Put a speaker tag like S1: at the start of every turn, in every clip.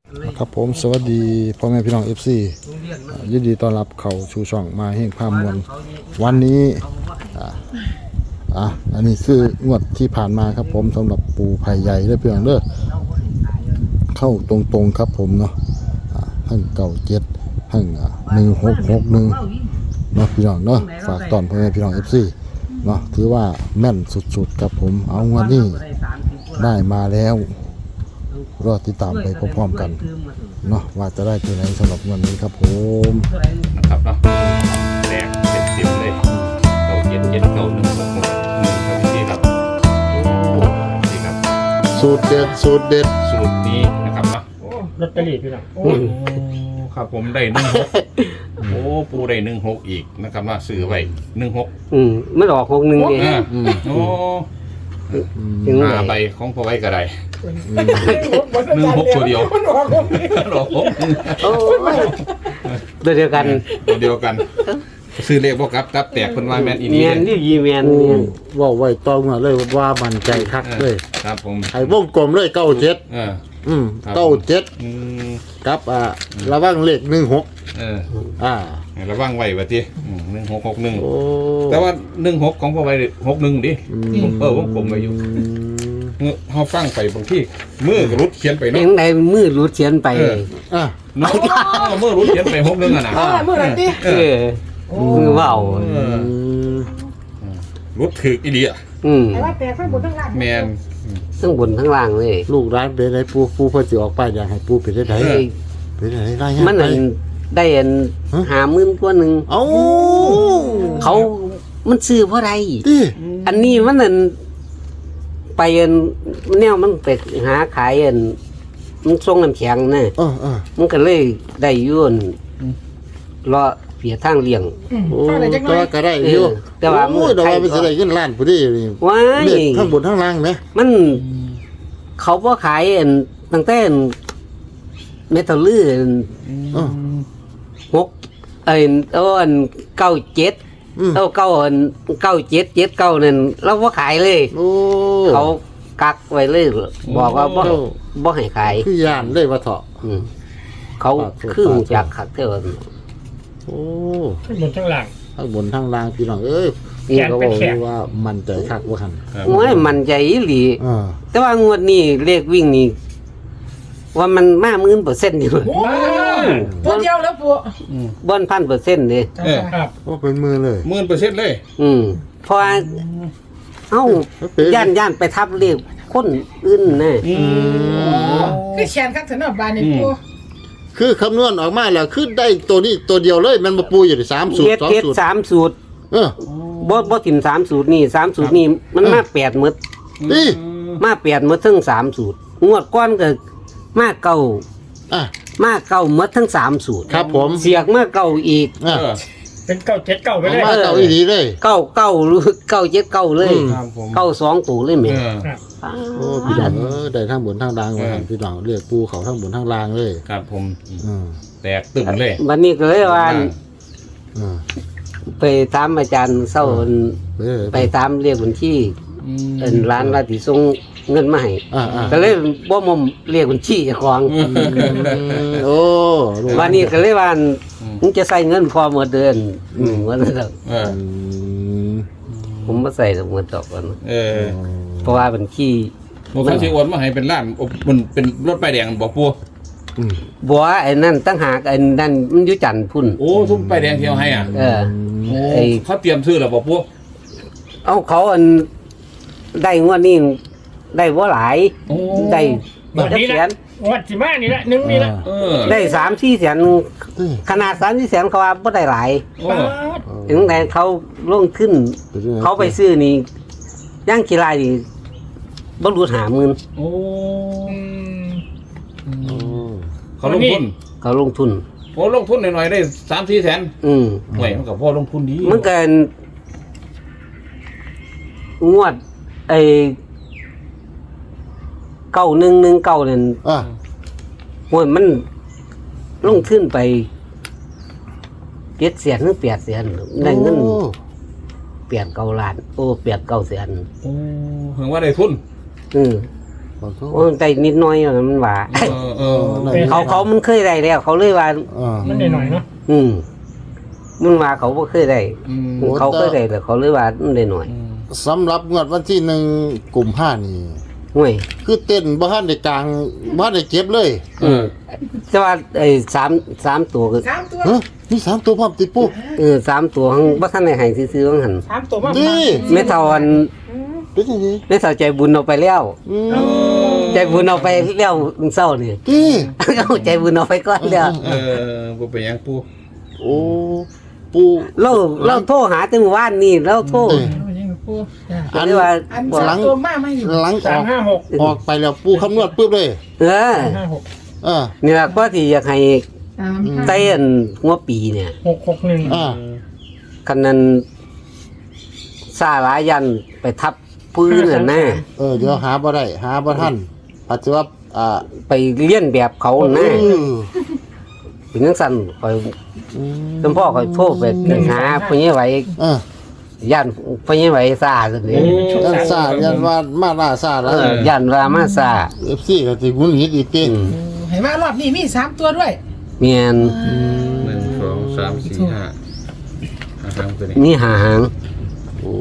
S1: ครับผมสวัสดีพ่อแม่พี่น้อง FC ยินดีต้อนรับเข้าชูช่องมาแห่งภาพมวลวันนี้อันนี้คืองวดที่ผ่านมาครับผมสำหรับปูไผ่ใหญ่ได้เพียงเด้อเข้าตรงๆครับผมเนาะทั้ง97ทั้ง1661เนาะพี่น้องเนาะฝากตอนพ่อแม่พี่น้อง FC เนาะถือว่าแม่นสุดๆครับผมเอางวดนี้ได้มาแล้วรอติดตามไปพร้อมๆกันเนาะว่าจะได้ตัวไหนสำหรับวันนี้ครับผม
S2: นะครับเนาะแดง70เลยเก่า7เก่า1 6 1ครับพี่ครับนี่ครับ
S1: สูตรเด็ดสูตร
S2: นี้นะครับเนาะ
S3: ลอตเตอรี่พี่น้อง
S2: ครับผมได้16โอ้ปูได้16อีกนะครับว่าซื้อไว้16
S4: ไม่ออก61เอง
S2: โอ้5ใบของพอไว้ก็ได้16ตัวเดียว
S4: เดียวกัน
S2: ซื้อเลขบ่กับแตกเพิ่นว่าแม่นอีนี่
S4: แม่นนี่ยีแม่น
S1: ว่าไว้ต้องมาเลยว่ามั่นใจคักเลย
S2: ครับผม
S1: ให้วงกลมเลย9797กับระวังเลข16
S2: ระวังไว้ว่าติ1661โอ้แต่ว่า16ของพอไว้61ดิวงกลมไว้อยู่เฮาฟังไปบางทีมือก็รุดเขียนไปเนาะ
S4: เองได้มือรุดเขียนไป
S2: เนาะมือรุดเขียนไป61น่ะนะ
S3: มือไหนติ
S4: มือว่าว
S2: รุดถึกอีหลีอ่ะ
S3: แต่ว่าแต่ข้างบนข้างล่าง
S2: แม่น
S4: ทั้งบนทั้งล่างเลย
S1: ลูกร้านเป็นไดปูเพิ่นสิออกไปอยากให้ปูเป็นได้เป็นได้ได้
S4: มันได้50,000กว่านึง
S1: เอ้า
S4: เขามันซื้อเพราะใดอันนี้มันไปแนวมันไปหาขายมันส่งน้ำแข็งนะมันก็เลยได้ยุ่นรอเปียทางเลี้ยง
S1: ตัวก็ได้อยู่
S4: แต่ว่า
S1: มือดอกมันจะได้เงินล้านพอดีนี่
S4: ว้าย
S1: ทั้งบนทั้งล่างไหม
S4: มันเขาบ่ขายตั้งแต่เมทัลลื่น97นั่นเราบ่ขายเลยเขากักไว้เลยบอกว่าบ่ให้ขาย
S1: คือย่านเลยว่าเถาะ
S4: เขาคือจากคักเท่า
S1: โอ้
S3: ข้างบนข้างล่าง
S1: พี่น้องเอ้ยนี่ก็บอกว่ามันใจคักว่าคั่น
S4: โอ้ยมันใจอีหลีแต่ว่างวดนี้เลขวิ่งนี่ว่ามันมา10,000%อยู่
S3: ตัวเดียวแล้วปู่
S4: บ่อน 1,000% เด้
S3: ครับ
S1: ว่าเป็นมือเลย
S2: 10,000%เลย
S4: เพราะย่านไปทับเลขคนอื่นนะ
S3: คือแขนคักถนนบ้านนี่ปู่
S1: คือคำนวณออกมาแล้วคือได้ตัวนี้ตัวเดียวเลยมันมาปูอยู่ที่3สูตร2สูตร
S4: 3สูตรบ่ถิ่ม3สูตรนี่3สูตรนี่มันมา8หมด
S1: นี่
S4: มา8หมดทั้ง3สูตรงวดก่อนก็มาเก่าหมดทั้ง3สูตร
S1: ครับผม
S4: เสียกมาเก่าอีก
S3: เป็น979ไปเลย
S1: มาเก่าอีหลีเลย
S4: 9หรือ979เลย92ตัวเลยแม่
S1: โอ้พี่น้องได้ทั้งบนทั้งล่างว่าพี่น้องเรียกปูเขาทั้งบนทั้งล่างเลย
S2: ครับผมแตกตึ้งเลย
S4: วันนี้ก็เลยว่าไปตามอาจารย์เศร้าไปตามเรียกบัญชีร้านราติส่งเงินมาให้ก็เลยบ่มเรียกบัญชีเจ้าของ
S1: โอ้
S4: วันนี้ก็เลยว่ามึงจะใส่เงินพอหมดเดือนว่าซั่นดอกผมบ่ใส่ดอกหมดดอกก่อนเพราะว่าบัญชี
S2: มันสิโอนมาให้เป็นล้านมันเป็นรถป้ายแดงบ่ปู่
S4: บ่ไอ้นั่นตั้งหากไอ้นั่นมันอยู่จันทน์พุ่น
S2: โอ้ซุ่มป้ายแดงเที่ยวให้ไอ้เขาเตรียมซื้อแล้วบ่ปู่
S4: เอาเขาได้งวดนี้ได้บ่หลายได้
S3: 1แสนงวดสิมานี่ละ1นี่ละ
S4: ได้3-4 แสนขนาด3-4 แสนเขาว่าบ่ได้หลายถึงแต่เขาลงขึ้นเขาไปซื้อนี่ย่างกี่รายนี่บ่รู้50,000
S2: โอ้เขาลงทุนโอ้ลงทุนหน่อยๆได้ 3-4 แสนไหวมันก็พอลงทุนดี
S4: มันเกินงวดไอ้9119นั่นโอ้ยมันลงทุนไป7 แสนหรือ8 แสนได้เงิน8-9 ล้านโอ้8-9 แสน
S2: โอ้ถึงว่าได้ทุน
S1: ขอโทษ
S4: โอ้ยได้นิดหน้อยอะมันว่า
S1: ได้
S4: เขามันเคยได้แล้ว เขาเลยว่า
S3: มันหน่อยเนาะ
S4: มันว่าเขาบ่เคยได้
S1: โอ้
S4: เขาเคยได้แต่เขาเลยว่ามันได้หน่อย
S1: สำหรับงวดวันที่1กุมภานี่
S4: ห่วย
S1: คือเต้นบ่ทันได้กลางบ่ทันได้เก็บเลย
S4: แต่ว่าไอ้3ตัวก็
S3: 3 ตัว
S1: ฮะมี3ตัวพร้อมติปู
S4: 3ตัวหังบ่ทันได้ให้ซื้อๆว่าหั่น
S3: 3 ตัวมา
S1: นี่
S4: แม่เฒ่าอัน
S1: เป็นจังได๋
S4: แม่เฒ่าใจบุญเอาไปแล้ว
S1: อืม
S4: ใจบุญเอาไปแล้วเศร้านี่
S1: นี่
S4: เอาใจบุญเอาไปก่อนแล้ว
S2: บ่เป็นหยังปู
S1: โอ้ปู
S4: เราโทรหาแต่เมื่อวานนี่เราโทร
S3: ยังปู
S1: อัน
S4: เรียกว่า
S3: อัน3ตัวมาไม่อยู่
S1: หลังออก
S3: 356
S1: ออกไปแล้วปูคำนวณปึ๊บเลย
S3: 56
S1: อ่า
S4: นี่ล่ะก็ที่อยากให้ไต้อันหัวปีเนี่ย
S3: 661
S1: อ่า
S4: คันนั้นซาหลายยันไปทับปืนน่ะนะ
S1: เดี๋ยวหาบ่ได้หาบ่ทันอาจจะว่า
S4: ไปเลี้ยนแบบเขานะเป็นจังซั่นข่อยจำพ่อข่อยโทรไปหาพ่อใหญ่ไหว ย่านพ่อใหญ่ไหวซาซั่นนี่
S1: ยันซายันว่ามาล่าซาแล้ว
S4: ย่านว่ามาซา
S1: FC ก็สิงุนหงิดอีกเต้
S3: เห็นว่ารอบนี้มี3ตัวด้วย
S4: เมียน
S2: 1 2 3 4 5หางตัวนี้
S4: นี่หาหาง
S1: โอ้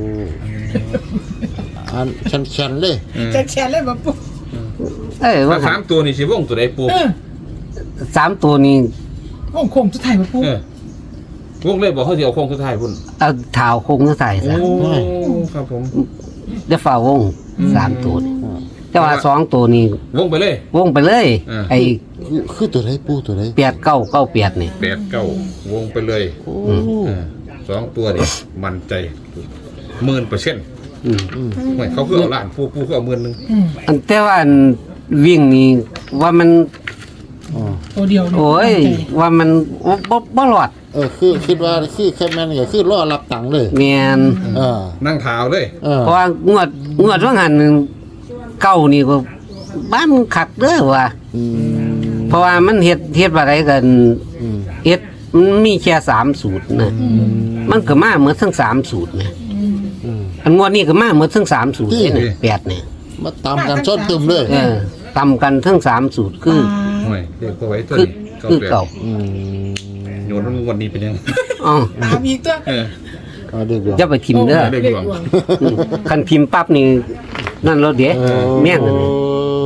S1: อันชันๆเลย
S3: แชร์เลยบ่ปู
S4: ว่า
S2: สามตัวนี่สิวงตัวใดปู
S4: 3ตัวนี้
S3: วงโคงสุดท้ายบ่ปู
S2: วงเลยบอกเขาสิเอาโค้งสุดท้ายพุ่น
S4: เอาเท้าโคงใส่ซะ
S2: ครับผม
S4: ได้ฝ่าวง3ตัวนี่แต่ว่า2ตัวนี้
S2: วงไปเลย
S4: วงไปเลย ไอ้
S1: คือตัวไหนปูตัวไหน
S4: 8998นี่
S2: 8 9วงไปเลย
S1: โอ้
S2: 2ตัวนี่มั่นใจ 1,000%
S4: อืม
S2: ไม่เขาคือเอาล้านปูคือเอา10,000นึง
S4: อันแต่ว่าอันวิ่งนี่ว่ามัน
S3: ตัวเดียว
S4: โอ้ยว่ามันบ่รอด
S1: คือคิดว่าคือแค่แม่นก็คือรอรับตังค์เลย
S4: แม่น
S2: นั่งเท้าเลย
S4: เพราะว่างวดว่าหันเก้านี่ก็บ้านคักเด้อว่า เพราะว่ามันเฮ็ดอะไรกันเฮ็ดมันมีแค่3สูตรนะมันก็มาเหมือนทั้ง3สูตรนะอันงวดนี้ก็มาเหมือนทั้ง3สูตรนี่8นี่
S1: มาตามกันชนตึมเลย
S4: ตำกันทั้ง3สูตรคือ
S2: ไม่เด็กตัวไว้ตัว
S4: คือ
S2: นี้
S4: เก่า
S2: โยนวันนี้เป็นยัง
S4: อ๋อ
S3: ตามอีกตัว
S1: เด็ก
S4: อย่าไปทิมเด้อ
S2: เด็กหลวง
S4: คันพิมพ์ปั๊บนี่นั่นเราเดี๋ยวแม่งอันนี้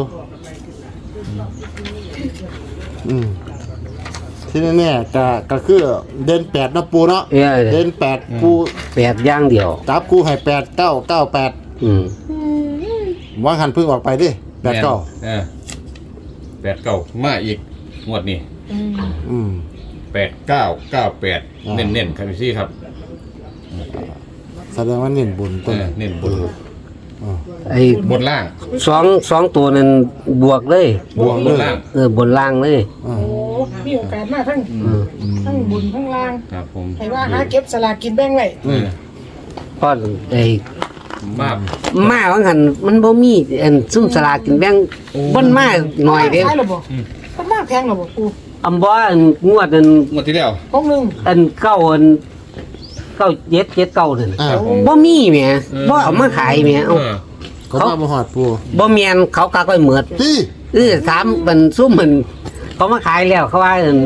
S1: ที่แน่ๆก็คือเดิน8นะปูเนาะเดิน8ปู
S4: 8อย่างเดียว
S1: จับกูให้8 9 9 8วางหันเพิ่งออกไปดิ8 9
S2: 8 9มาอีกงวดนี้8 9 9 8เน้นๆครับพี่ซี่ครับ
S1: แสดงว่าเน้นบุญต้น
S2: เน้นบน
S4: ไอ้
S2: บนล่าง
S4: สองตัวนั้นบวกเลย
S2: บวกบนล่าง
S4: บนล่างเลย
S3: โอ้มีโอกาสมากทั้งบุญทั้งลาง
S2: ครับผม
S3: ให้ว่าหาเก็บสลากกินแบ่งไว้
S4: เพราะไอ้
S2: มาก
S4: มาว่าหันมันบ่มีอันซุ่มสลากกินแบ่งบ่มาหน่อยเด้
S3: ขายหรอบ่มันมากแพงหรอบ่ปู
S4: อำบ่อันงวดอัน
S2: งวดที่แล้ว
S3: ของหนึ่ง
S4: อันเก้าอัน9 7 7 9นั่น
S2: ครับผม
S4: บ่มีแหมบ่เอามาขายแหมเอา
S1: เขามาหอดปู
S4: บ่แม่นเขาก็ค่อยเหมือด
S1: ตี้
S4: ถามมันซุ่มมันเขามาขายแล้วเขาว่าอัน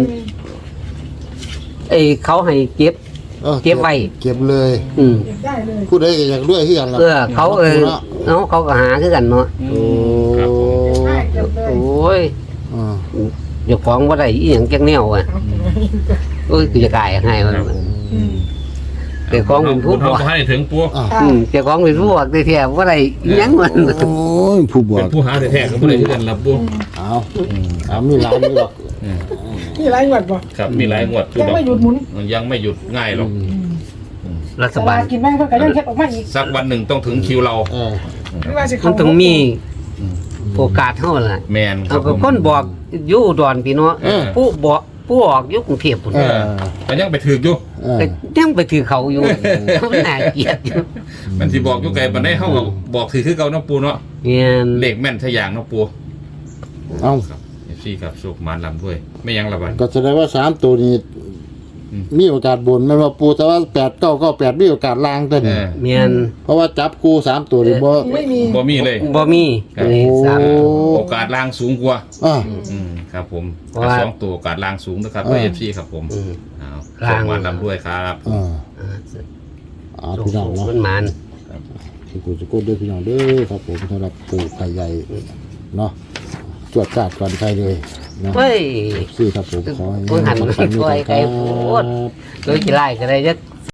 S4: เขาให้เก็บไว้
S1: เก็บเลย
S3: ได้เลย
S1: ผู้ใดก็อยากรวยคือกันล่ะ
S4: เขาเขาก็หาคือกันเนาะ
S1: โอ้
S3: เก็บเลย
S4: โอ้ย
S1: อ่า
S4: เจ้าของบ่ได้อีหยังจักแนวอ่ะโอ้ยกูจะกายให้มันเจ้าของเป็นผู้
S2: ท
S4: บอก
S2: ให้ถึงปัว
S4: เจ้าของเป็นผู้บอกได้แท้บ่ได้อีหยังมัน
S1: โอ้ยผู้บว
S2: เป็
S1: ก
S2: นผู้หาแท้ๆก็ไม่ได้ที่กันรับปัว
S1: เอามีหลายมีหรอก
S3: นี่ไรหวัดบ่
S2: ครับมีหลายงวด
S3: ยังไม่หยุดหมุน
S2: มันยังไม่หยุดง่ายหรอก
S4: รั
S3: ส
S4: ฐบา
S3: ลา
S4: ล
S3: กินแบ่งเพิ่นก็ยังเฮ็ดออกมาอีก
S2: สักวันหนึ่งต้องถึงคิวเรา
S3: ไม่ว่าสิ
S4: มั
S3: เขา
S4: นต้องมีโอกาสเท่านั้นล่ะ
S2: แมนครั
S4: เอา
S2: บผ
S4: ก็
S2: ม
S4: คนบอกอยู่อุดรพี่เนาะผู้ออกอยู่กรุงเทพพุ่น
S2: แต่ยังไปถึกอยู่
S4: ก็ยังไปถือเขาอยู่มันน่าเกลียดอยู่
S2: มันที่บอกอยู่ไกลมันได้เข้าบอกถือคือเก่าน้องปูเนาะ
S4: เนี่ย
S2: เลขแม่นทะยางน้องปู
S1: เอา
S2: ครับเอฟซีครับสุกมานลำด้วยไม่ยังละบัน
S1: ก็แสดงว่า3ตัวนี้มีโอกาสบนแม่นว่าปูแต่ว่า8-9-9-8มีโอกาสล่างตัว
S2: เอ
S1: นี้
S2: อ
S4: เมียน
S1: เพราะว่าจับกู3ตัวนี่บ่
S3: ไม่มี
S2: บ่มีเลย
S4: บ่มี
S2: ครับ
S4: นี่สาม
S2: โอกาสล่างสูงกว่า
S1: อ่า
S2: ครับผม
S4: เพราะว่า
S2: สองตัวโอกาสล่างสูงนะครับ
S1: เออ
S2: เอฟซีครับผม
S4: อืม
S2: เอา
S4: ล่าง
S2: ส่งมาลำด้วยครับ
S1: อ่า
S4: อ่า
S1: พี่น้องเนาะ
S4: มันมัน
S1: ที่กูจะกดด้วยพี่น้องเด้อครับผมสำหรับปูไข่ใหญ่เนาะจวดจาดก่อนใครเลยนะ
S4: เฮ้ย
S1: ซี่ครับผมขอให้
S4: เพิ่งหัน
S1: ปังๆ
S4: ปล่อยไก่โพด โดยกี่ไร่ก็ได้จัก